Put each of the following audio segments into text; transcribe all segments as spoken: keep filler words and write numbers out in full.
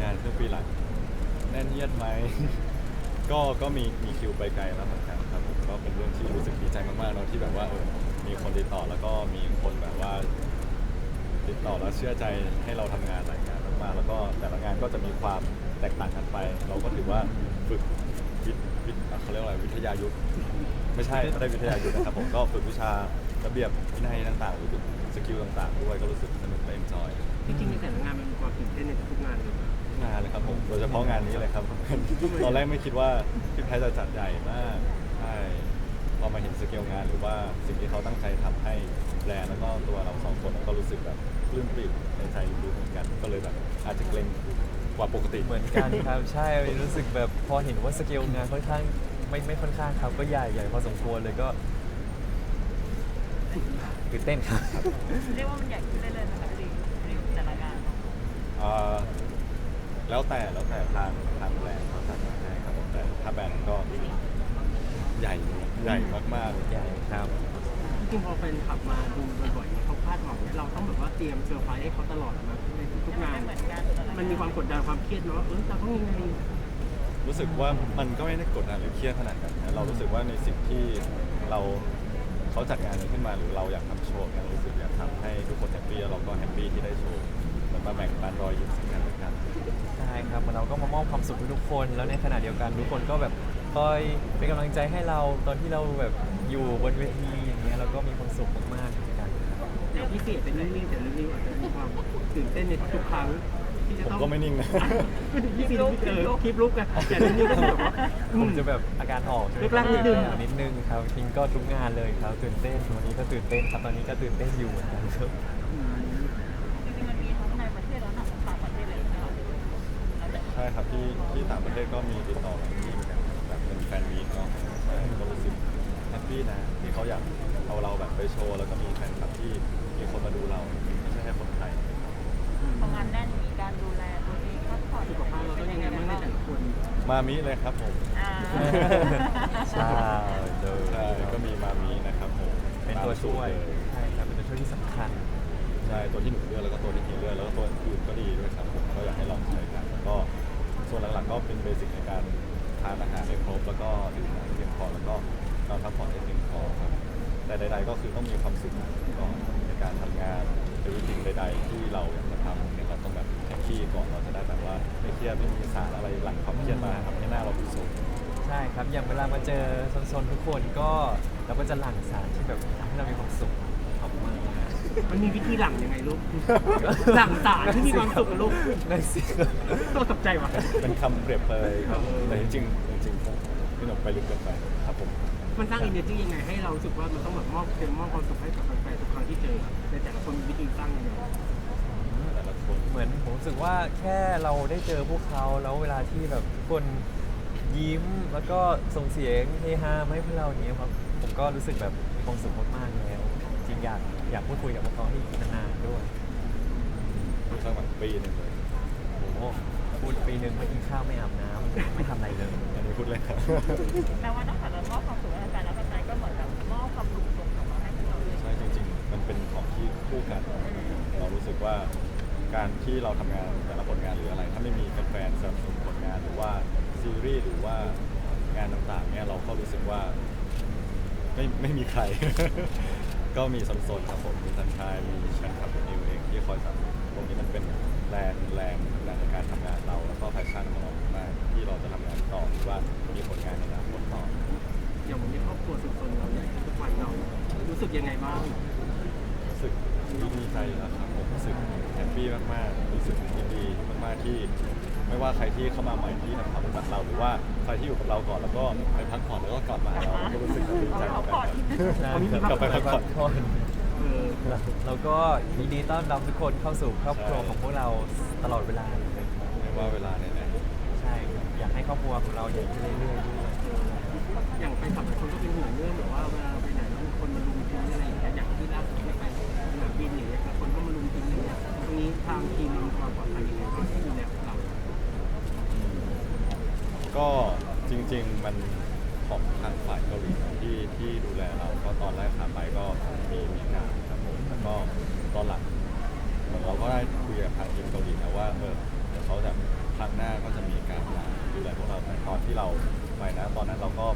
งานครึ่งปีหลังแน่นเยียดไหม ก็ก็มีมีคิวไปไกลแล้วเหมือนกันครับผมก็เป็นเรื่องที่รู้สึกดีใจมากๆเนาะที่แบบว่าเออมีคนติดต่อแล้วก็มีคนแบบว่าติดต่อแล้วเชื่อใจให้เราทำงานหลายงานมากๆแล้วก็แต่ละงานก็จะมีความแตกต่างกันไป เราก็ถือว่าฝึกวิทวิทเขาเรียกว่าอะไรวิทยายุทธไม่ใช่ไม่ได้วิทยายุทธนะครับผมก็ฝึกวิชาระเบียบวินัยต่างๆหรือฝึกสกิลต่างๆด้วยก็รู้สึกสนุกและเอนจอยจริงๆในแต่ละงานมันมีความตื่นเต้นในทุกๆงานเลยงานเลยครับผมโดยเฉพาะงานนี้เลยครับ ตอนแรกไม่คิดว่าพี่แพทย์จะจัดใหญ่มากใช่พอมาเห็นสเกลงานหรือว่าสิ่งที่เขาตั้งใจทำให้แบรนด์แล้วก็ตัวเราสองคนก็รู้สึกแบบปลื้มปริ่มในใจลึกๆเหมือนกันก็เลยแบบอาจจะเกรงกว่าปกติเหมือนกันครับใช่รู้สึกแบบพอเห็นว่าสเกลงานค่อนข้างไม่ไม่ค่อนข้างครับก็ใหญ่ใหญ่พอสมควรเลยก็ตื่นเต้นครับเรียกว่ามันใหญ่ขึ้นเรื่อยๆนะคะรีวิวแต่ละงานเอ่อแล้วแต่แล้วแต่ทางทางแบรนด์เขาจัดมาให้ครับผมแต่ถ้าแบรนด์ก็ใหญ่ใหญ่มากๆใหญ่ครับจริงๆพอแฟนขับมาดูบ่อยๆเนี่ยเขาคาดหวังเนี่ยเราต้องแบบว่าเตรียมเซอร์ไพรส์ให้เขาตลอดนะในทุกๆงานไม่เหมือนกันแต่ละงานมันมีความกดดันความเครียดเนาะเออเราต้องยังไงรู้สึกว่ามันก็ไม่ได้กดดันหรือเครียดขนาดนั้นนะเรารู้สึกว่าในสิ่งที่เราเขาจัดงานนี้ขึ้นมาหรือเราอยากทำโชว์เนี่ยรู้สึกอยากทำให้ทุกคนแฮปปี้แล้วเราก็แฮปปี้ที่ได้โชว์เหมือนมาแบ่งปันรอยยิ้มสิ่งกันและกันใช่ครับเหมือนเราก็มามอบความสุขให้ทุกคนแล้วในขณะเดียวกันทุกคนก็แบบคอยเป็นกำลังใจให้เราตอนที่เราแบบอยู่บนเวทีอย่างเงี้ยเราก็มีความสุขมากๆเหมือนกันครับอย่างพี่เกดเป็นนิ่งๆแต่นิ่งๆอาจจะมีความตื่นเต้นในทุกๆครั้งที่จะผมต้องก็ไม่นิ่งนะพี่ซีพี่เออคลิปลุกอะแต่นิ่งๆก็คือแบบว่าอืผมจะแบบอาการออกใช่ไหมแรกๆนิดนึงนิดนึงครับจริงก็ทุกงานเลยครับตื่นเต้นวันนี้ก็ตื่นเต้นครับตอนนี้ก็ตื่นเต้นอยู่เหมือนกันครับอืมจริงๆมันมีทั้งในประเทศและต่างประเทศเลยนะคะแล้วแต่ใช่ครับที่ที่ต่างประเทศก็มีติดต่อมาที่เหมือนกันแบบเป็นแฟนมีตเนาะใช่ก็รู้สึกแฮปปี้นะที่เขาอยากเอาเราแบบไปโชว์แล้วก็มีแฟนคลับที่มีคนมาดูเราไม่ใช่แค่คนไทยพองานแน่นมีการดูแลตัวเองพักผ่อนสุขภาพเราต้องยังไงบ้างในแต่ละคนมามิเลยครับผมอ่าใช่เลยใช่ก็มีมามินะครับผมเป็นตัวช่วยตามสูตรเลยใช่ครับเป็นตัวช่วยที่สำคัญใช่ตัวที่หนูเลือกแล้วก็ตัวที่พี่เลือกแล้วก็ตัวอื่นก็ดีด้วยครับผมก็อยากให้ลองใช้กันแล้วก็ส่วนหลักๆก็เป็นเบสิกในการทานอาหารให้ครบแล้วก็ดื่มน้ำให้เพียงพอแล้วก็นอนพักผ่อนให้เพียงพอครับแต่ใดๆก็คือต้องมีความสุขก่อนในการทำงานหรือสิ่งใดๆที่เราอยากจะทำเนี่ยเราต้องแบบแฮปปี้ก่อนเราจะได้แบบว่าไม่เครียดไม่มีสารอะไรหลังความเครียดมาทำให้หน้าเราดูสดใช่ครับอย่างเวลามาเจอโซนๆทุกคนก็เราก็จะหลั่งสารที่แบบทำให้เรามีความสุขออกมามันมีวิธีหลังยังไงลูก หลังสารที่มีความสุขกับลูกนั่นสิต้องตกใจว่ะเป็นคำเปรียบเปรยครับเออแต่จริงๆจริงๆผมพี่หนุ่มไปลึกเกินไปครับผมมันสร้าง energy ยังไงให้เรารู้สึกว่ามันต้องแบบมอบเต็มมอบความสุขให้กับแฟนๆทุกครั้งที่เจอในแต่ละคนมีวิธีสร้างยังไงแต่ละคนเหมือนผมรู้สึกว่าแค่เราได้เจอพวกเขาแล้วเวลาที่แบบทุกคนยิ้มแล้วก็ส่งเสียงเฮฮามาให้พวกเราอย่างเงี้ยครับผมก็รู้สึกแบบมีความสุขมากๆแล้วจริงอยากอยากพูดคุยกับพวกเขาให้อีกนานๆด้วยพูดสักแบบปีหนึ่งเลยโอ้โหพูดปีหนึ่งไม่กินข้าวไม่อาบน้ำไม่ทำอะไรเลยอันนี้พูดเลยครับแปลว่านอกจากจะมอบความสุขให้แฟนแล้วแฟนก็เหมือนกับมอบความสุขส่งกลับมาให้พวกเราเลยใช่จริงๆ มันเป็นของที่คู่กัน เรารู้สึกว่าการที่เราทำงานแต่ละผลงานหรืออะไร ถ้าไม่มีแฟนๆสนับสนุนผลงานหรือว่าซีรีส์หรือว่างานต่างๆเนี่ยเราก็รู้สึกว่าไม่ไม่มีใคร ก็มีสนๆครับผมมีสันชายมีแฟนคลับของนิวเองที่คอยสนับสนุนตรงนี้มันเป็นแรงแรงแรงในการทำงานเราแล้วก็แพชชั่นของเรามากที่เราจะทำงานต่อหรือว่ามีผลงานในอนาคตต่ออย่างวันนี้ครอบครัวสุดๆเราเนี่ยทุกวันเรารู้สึกยังไงบ้างรู้สึกดีใจแล้วครับผมรู้สึกแฮปปี้มากๆรู้สึกยินดีมากๆที่ไม่ว่าใครที่เข้ามาใหม่ที่ทำความรู้จักเราหรือว่าใครที่อยู่กับเราก่อนแล้วก็ไปพักผ่อนแล้วก็กลับมาหาเราก็รู้สึกดีใจเหมือนกันครับ กลับไปพักผ่อนเออแล้วก็ยินดีต้อนรับทุกคนเข้าสู่ครอบครัวของพวกเราตลอดเวลาเลยครับไม่ว่าเวลาไหนใช่ครับอยากให้ครอบครัวของเราใหญ่ขึ้นเรื่อยๆด้วยอย่างไปขับหลายคนก็เป็นห่วงเรื่องแบบว่าเวลาไปไหนแล้วมีคนมาลุมทิ้งอะไรอย่างเงี้ยอย่างที่ล่าสุดที่ไปสนามบินอย่างเงี้ยแล้วคนก็มาลุมทิ้งอย่างเงี้ยตรงนี้ทางทีมมีความปลอดภัยยังไงบ้างที่ดูแลพวกเราๆก็จริง ๆมันของทางฝ่ายเกาหลีที่ที่ดูแลเราก็ตอนแรกขาไปก็มีมีการครับผมแล้วก็ตอนหลังเหมือนเราก็ได้คุยกับทางทีมเกาหลีนะว่าเออเดี๋ยวเขาจะพา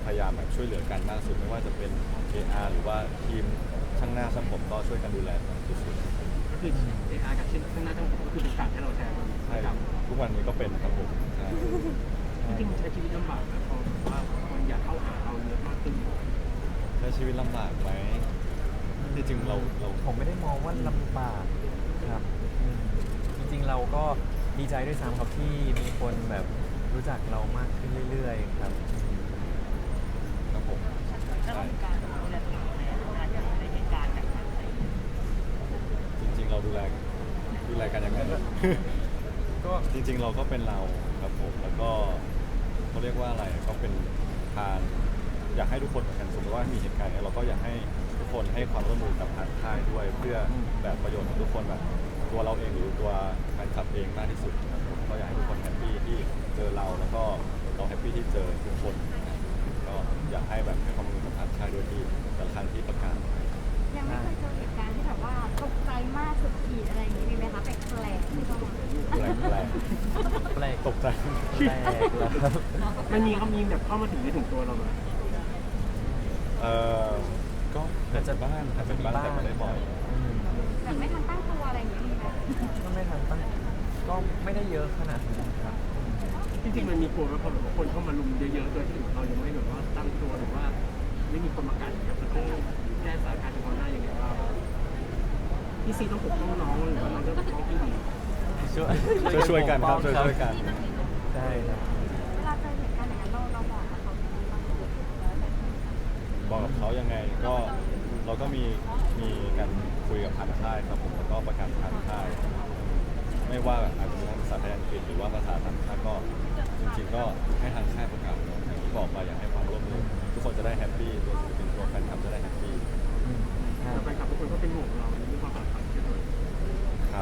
พยายามแบบช่วยเหลือกันมากสุดไม่ว่าจะเป็น เอ อาร์ หรือว่าทีมช่างหน้าช่างผมก็ช่วยกันดูแลสุดๆก็คือเออาร์กับชิ้นข้างหน้าทั้งหมดก็คือเป็นการให้เราแทนใช่ครับทุกวันนี้ก็เป็นครับผมใช่จริงๆมันใช้ชีวิตลำบากนะเพราะว่าคนอยากเข้าหาเราเยอะมากขึ้นใช้ชีวิตลำบากไหมที่จริงเราเราผมไม่ได้มองว่าลำบากครับอืมจริงๆเราก็ดีใจด้วยซ้ำครับที่มีคนแบบรู้จักเรามากขึ้นเรื่อยๆครับอืมครับผมแล้วใช่มีการดูแลตัวเองในเวลาที่อยู่ในเหตุการณ์แบบนั้นอะไรอย่างเงี้ยจริง ๆ เราดูแลดูแลกันยังไงก็จริง ๆ เราก็เป็นเราครับผมแล้วก็เขาเรียกว่าอะไรก็เป็นทางอยากให้ทุกคนเหมือนกันสมมติว่ามีเหตุการณ์เนี้ยเราก็อยากให้ทุกคนให้ความร่วมมือกับทางค่ายด้วย เพื่อแบบประโยชน์ของทุกคนแบบตัวเราเองหรือตัวแฟนคลับเองมากที่สุดครับผมก็อยากให้ทุกคนแฮปปี้ที่เจอเราแล้วก็เราแฮปปี้ที่เจอทุกคนนะครับก็อยากให้แบบให้ความร่วมมือกับทางค่ายด้วยที่แต่ละครั้งที่ประกาศยังไม่เคยเจอเหตุการณ์ที่แบบว่าตกใจมากสุดขีดอะไรอย่างนี้มีไหมคะแปลกๆที่ต้องแปลกแปลกแปลกตกใจแปลกแล้วครับมันมีเขามีแบบเข้ามาถึงไม่ถึงตัวเราไหมเออก็อาจจะบ้างอาจจะบ้างแต่ไม่ได้บ่อยอืมแบบไม่ทันตั้งตัวอะไรอย่างนี้มีไหมก็ไม่ทันตั้งก็ไม่ได้เยอะขนาดนั้นครับจริงๆมันมีกลัวไหมพอแบบว่าคนเข้ามาลุมเยอะๆโดยที่เรายังไม่แบบว่าตั้งตัวหรือว่าไม่มีคนมากันเนี่ยมันต้องแก้สถานการณ์เฉพาะหน้ายังไงบ้างพี่ซีต้องปกป้องน้องหรือว่าน้องจะปกป้องพี่ดีช่วยช่วยช่วยกันครับช่วยช่วยกันใช่ครับเวลาเจอเหตุการณ์อย่างนั้นเราเราบอกกับเขายังไงบ้างบอกกับเขายังไงก็เราก็มีมีการคุยกับทางค่ายครับผมแล้วก็ประกาศทางค่าย ไม่ว่าอาจจะเป็นภาษาไทยอังกฤษหรือว่าภาษาต่างชาติก็จริงๆก็ให้ทางค่ายประกาศเนอะอย่างที่บอกไปอยากให้ความร่วมมือทุกคนจะได้แฮปปี้ตัวศิลปินตัวแฟนคลับจะได้แฮปปี้อืมใช่แต่แฟนคลับทุกคนก็เป็นห่วงเราในเรื่องความปลอดภัยใช่ไหมครับ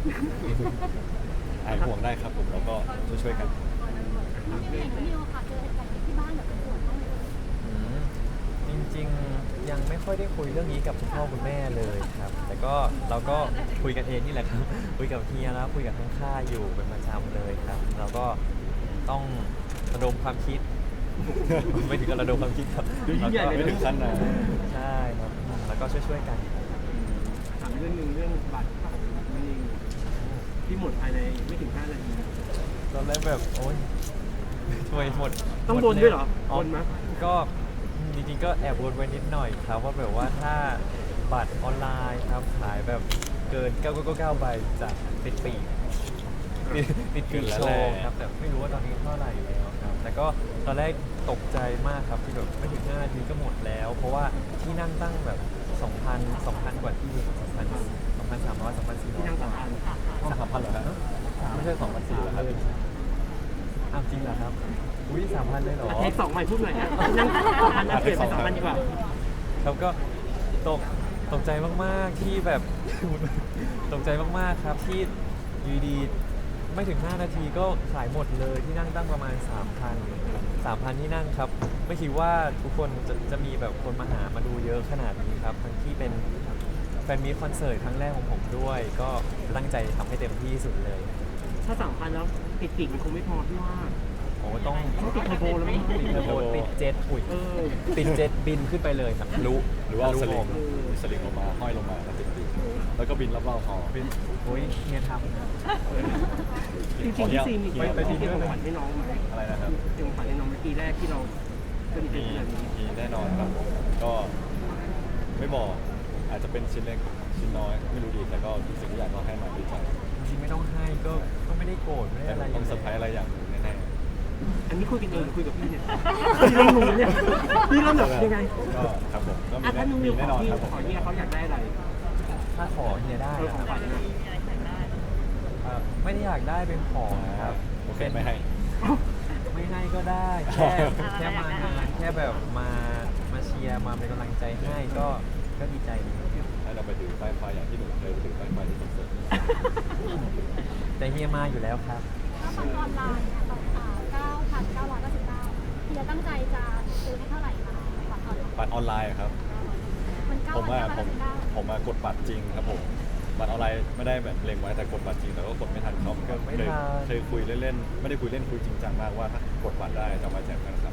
หายห่วงได้ครับผมแล้วก็ช่วยๆกันอย่างนิวค่ะเจอเหตุการณ์ที่บ้านแบบเป็นห่วงบ้างไหมอืมจริงๆยังไม่ค่อยได้คุยเรื่องนี้กับคุณพ่อคุณแม่เลยครับ แต่ก็เราก็คุยกันเองนี่แหละครับ คุยกับเฮียแล้วคุยกับทั้งค่ายอยู่เป็นประจำเลยครับ เราก็ต้องระดมความคิด ไม่ถึงกับระดมความคิดครับดูยิ่งใหญ่เลยไม่นะถึงขั้นนะใช่ครับแล้วก็ช่วยๆกันถามเรื่องหนึ่งเรื่องบัตรของมันเองที่หมดภายในไม่ถึงห้านาทีตอนแรกแบบโอ๊ยช่วยหมดต้องมบนด้วยเหรออ๋อบนไหมก็จริงๆก็แอบบนไว้นิดหน่อยครับว่าแบบว่าถ้าบัตรออนไลน์ครับขายแบบเกินเก้าเก้าเก้าใบจะติดปีกติดติดปีกโชว์ครับแต่ไม่รู้ว่าตอนนี้เท่าไหร่แล้วครับแต่ก็ตอนแรกตกใจมากครับที่แบบไม่ถึงห้านาทีก็หมดแล้ว เพราะว่าที่นั่งตั้งแบบสองพัน สองพันกว่าที่สองพัน สองพันสามร้อย สองพันสี่ร้ที่อยนั่งสามพันห้องสามพันเหรอฮะไม่ใช่สองพันสี่เหรอครับอ้าวจริงเหรอครับอุ้ยสามพันเลยเหรอเทคสองใหม่พูดหน่อยนะที่นั่งสามพันนะเปลี่ยนเป็นสองพันดีกว่าครับก็ตกตกใจมากๆที่แบบ ตกใจมากๆครับที่อยูดีๆไม่ถึงห้านาทีก็ขายหมดเลยที่นั่งตั้งประมาณ สามพัน สามพันที่นั่งครับ ไม่คิดว่าทุกคนจะจะมีแบบคนมาหามาดูเยอะขนาดนี้ครับทั้งที่เป็นแฟนมีตคอนเสิร์ตครั้งแรกของผมด้วย ก็ตั้งใจทำให้เต็มที่ที่สุดเลยถ้าสามพันแล้วติดปีกมันคงไม่พอพี่ว่าโอ้ต้องต้องติดเทอร์โบแล้วมั้งติดเทอร์โบติดเจ็ตอุ้ยเออติดเจ็ตบินขึ้นไปเลยครับรู้หรือว่าเอารู้สลิงผมมีสลิงลงมาห้อยลงมาแล้วติดปีกแล้วก็บินรอบๆหอบินอุ้ยเฮียทำนะจริงๆพี่ซีมีไปไปไปไปทีที่เดียวของเลยขวัญให้น้องไหมอะไรนะครับเตรียมของขวัญให้น้องเมื่อกี้แรกที่เราสนิทกัมีนขนาดนี้มีแน่นอนครับผมก็ไม่บอกอาจจะเป็นชิ้นเล็กชิ้นน้อยไม่รู้ดีแต่ก็ทุกสิ่งทุกอย่างก็ให้มาด้วยใจจริงๆไม่ต้องให้ก็ก็ไม่ได้โกรธไม่ได้แต่อะไรต้องเซอร์ไพรส์อะไรอย่างหนึ่งแน่อันนี้คุยกันเองหรือคุยกับพี่เนี่ยพี่เริ่มงงเนี่ยพี่เริ่มแบบยังไงๆก็ครับผมก็มีอ่ะแน่ถ้านุ่งมีนิวขแน่อนอนพี่ครับผมขอเนี่ยเขาอยากได้อะไรถ้าขอเฮียได้เออนะของคขวัรับญเนี่ยมีอะไรใส่ได้เอ่อไม่ได้อยากได้เป็นของครับโอเคไม่ให้ไม่ให้ก็ได้แค่แค่มางานแค่แบบมามาเชียร์มาเป็นกำลังใจให้ก็ก็ดีใจดีครับให้เราไปถือป้ายไฟอย่างที่หนูเคยไปถือป้ายไฟที่คอนเสิร์ตแต่เฮียมาอยู่แล้วครับถ้าบัตรออนไลน์เนี่ยต่อเก้าพันเก้าร้อยเก้าสิบเก้าเฮียตั้งใจจะซื้อให้เท่าไหร่คะบัตรออนไลน์บัตรออนไลน์อะครับมันเก้าผมพันว่าเก้าร้อยผมเก้าสิบเก้าผมมากดบัตรจริงครับผมบัตรออนไลน์ไม่ได้แบบเล็งไว้แต่กดบัตรจริงแต่ก็กดไม่ทันเขาก็ไม่เคยทันเคยคุยเล่นๆไม่ได้คุยเล่นคุยจริงจังมากว่าถ้ากดบัตรได้จะเอามาแจกกันครับคือกด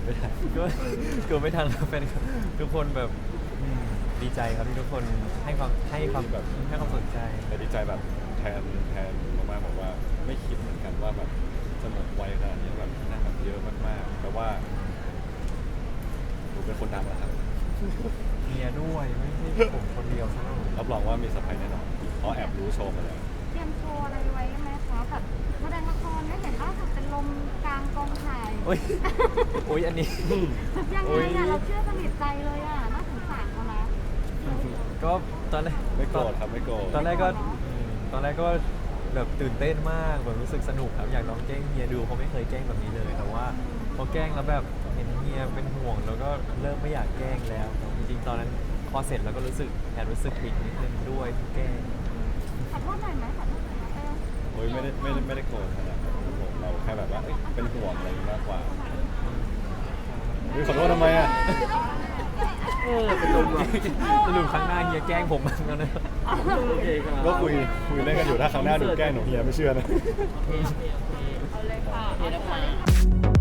ไม่ทันก็เกือบไม่ทันแล้วแฟนคลับทุกคนแบบอืมดีใจครับที่ทุกคนให้ความให้ความแบบให้ความสนใจแต่ดีใจแบบแทนแทนมากๆบอกว่าไม่คิดเหมือนกันว่าแบบจะหมดไวขนาดนี้แบบนั่งแบบเยอะมากๆแต่ว่าหนูเป็นคนดังแล้วครับเมียด้วยไม่ใช่ผมคนเดียวซะหน่อยรับรองว่ามีเซอร์ไพรส์แน่นอนเพราะแอบรู้โชว์มาแล้วเตรียมโชว์อะไรไว้ไหมคะแบบแสดงละครไม่เห็นล่าสุดเป็นลมกลางกองถ่ายโอ้ยโอ้ยอันนี้ยังโอ้ไงยอ่ะเราเชื่อสนิทใจเลยอ่ะน่าสงสารเขานะก็ตอนแรกไม่โกรธครับไม่โกรธตอนแรกก็อืมตอนแรกก็แบบตื่นเต้นมากแบบรู้สึกสนุกครับอยากลองแกล้งเฮียดูเพราะไม่เคยแกล้งแบบนี้เลยแต่ว่าพอแกล้งแล้วแบบเห็นเฮียเป็นห่วง แล้วก็เริ่มไม่อยากแกล้งแล้วครับจริงๆตอนนั้นพอเสร็จแล้วก็รู้สึกแอบรู้สึกผิดนิดนึงด้วยที่แกล้งขอโทษหน่อยไหมขอโทษหน่อยไหมเออโอ้ยไม่ได้ไม่ได้ไม่ได้โกรธขนาดนั้นครับผมเราแค่แบบว่าเอ้ยเป็นห่วงอะไรอย่างงี้มากกว่าเฮ้ยขอโทษทำไมอ่ะเออเป็นลมว่ะสรุปครั้งหน้าเฮียแกล้งผมบ้างแล้วนะโอเคครับก็คุยคุยเล่นกันอยู่ถ้าครั้งหน้าหนูแกล้งหนูเฮียไม่เชื่อนะเอาเลยค่ะเอาเลยค่ะ